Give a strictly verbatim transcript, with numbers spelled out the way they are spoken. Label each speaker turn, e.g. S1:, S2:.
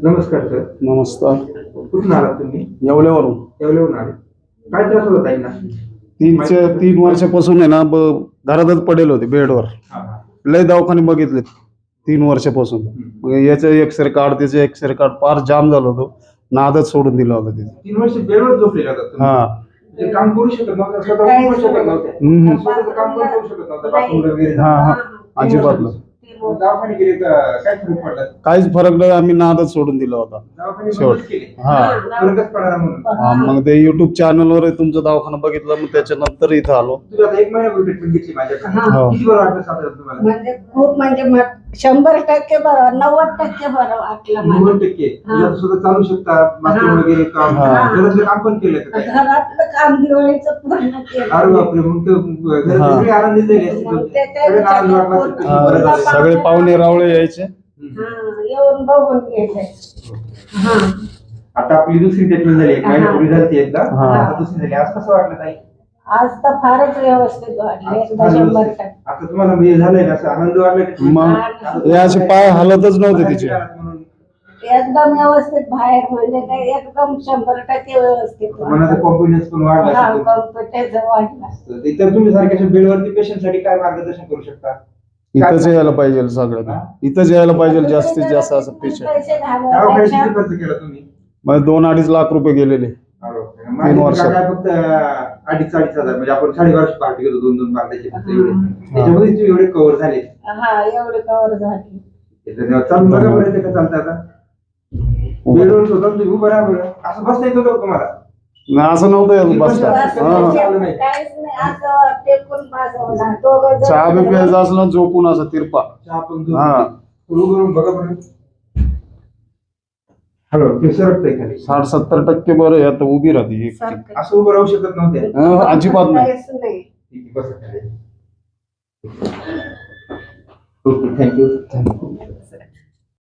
S1: नमस्कार सर.
S2: नमस्कार.
S1: कुठून आलात तुम्ही?
S2: येवल्यावरून.
S1: येवल्यावरून आले. काय त्रास होता ताईंना?
S2: तीनचे तीन वर्षापासून आहे ना ब- घरातच पडेल होते बेडवर. लय दवाखाने बघितले तीन वर्षापासून. मग याचं एक्सरे कार्ड त्याचं एक्सरे कार्ड फार जाम झालं होतं. नादच सोडून दिला होता तिथे.
S1: तीन वर्ष बेडवर झोपलेला होता तुम्ही?
S2: हा.
S1: ते काम करू शकत नव्हतं, स्वतः करू शकत नव्हते.
S2: हम्म.
S1: स्वतःचं काम पण करू शकत नव्हतं, बाथरूमला वगैरे.
S2: हा हा अजिबात नाही.
S1: मग दवाखाने गेले तर काय फरक पडला?
S2: काहीच फरक नाही. आम्ही नादच सोडून दिला होता
S1: दवाखाने
S2: शेवट.
S1: बंदच केले.
S2: हा.
S1: फरकच पडला म्हणून.
S2: हा, मग ते युट्यूब चॅनलवर तुमचा दवाखाना बघितलं, मग त्याच्यानंतर इथं आलो.
S1: तुम्ही आता एक महिन्यापूर्वी ट्रीटमेंट घेतली माझ्याकडे.
S2: हो.
S1: किती बरं वाटलं साधारण तुम्हाला?
S3: म्हणजे खूप म्हणजे म- शंभर टक्के बरं, नव्वद टक्के बरं वाटलं मला.
S1: नव्वद टक्के. तुम्ही आता स्वतः चालू शकता, बाथरूम वगैरे काम,
S2: हा.
S1: घरातलं काम पण केलं का काय?
S3: घरातलं काम दिवाळीचं पूर्ण केलं.
S1: अरे बापरे, मग तर घरात
S2: हा.
S1: सगळे आनंदी झाले असतील.
S3: मग ते काय
S1: सगळे आनंद वाटला असेल तुम्ही
S2: हा,
S1: बरं झालं.
S2: सगळे पाहुणे रावळे यायचे.
S3: हा, येऊन बघून गेले. हा.
S1: आता आपली दुसरी ट्रीटमेंट झाली, एक महिन्यापूर्वी झाली एकदा.
S2: हा.
S1: आता दुसरी झाली. आज कसं वाटलं ताई?
S3: आज तर फारच व्यवस्थित वाटले, एकदा
S1: आज
S3: शंभर
S1: व्यवस्थित.
S3: टक्के.
S1: आता तुम्हाला म्हणजे झालंय ना असं आनंद वाटला की
S2: मग हे असे पाय हलतच नव्हते तिचे.
S1: म्हणून
S3: एकदम व्यवस्थित बाहेर म्हणजे काय एकदम शंभर टक्के व्यवस्थित
S1: मनाचा कॉन्फिडन्स पण वाढला
S3: हा,
S1: असेल.
S3: कॉम्प्युटर वाढला.
S1: तर इतर तुम्ही सारख्या बेडवरती पेशंट साठी काय मार्गदर्शन करू शकता?
S2: इथंच यायला पाहिजे सगळ्यांना. इथंच यायला पाहिजे जास्तीत जास्त असं पेशंट.
S3: पैसे
S1: दवाखान्यात
S3: घालवायपेक्षा
S1: किती खर्च केला तुम्ही?
S2: म्हणजे दोन अडीच लाख रुपये गेलेले.
S1: माझ्या
S2: वर्षात.
S1: काय फक्त अडीच अडीच हजार, म्हणजे आपण साडेबाराशे पार्टी घेतो, दोन दोन पार्ट्याचे फक्त एवढे. त्याच्यामध्ये तुम्ही एवढे कव्हर झाले.
S3: हा, एवढे कव्हर झाली.
S1: चालून बघा बरं येते का चालतं आता? बेडवर होता तुम्ही, उभं राहा बरं. असं बसता येतं का तुम्हाला?
S2: नाही असं नव्हतं याचं बसता.
S3: बस
S2: हा.
S3: म्हणजे काहीच नाही, असं टेकून बसवणार. दोघं जण-
S2: चहा बी प्यायचा असला झोपून असं तिरपा.
S1: चहा पण झोप.
S2: हा.
S1: उभं करून बघा बरं. हॅलो, ते सरकतंय खाली.
S2: साठ सत्तर टक्के बरं आहे. आता उभी राहते एक.
S3: सारखं.
S1: असं उभं राहू शकत नव्हते.
S2: हा, अजिबात नाही.
S3: काहीच नाही.
S1: ठीक आहे, बसा खाली. Okay, thank you.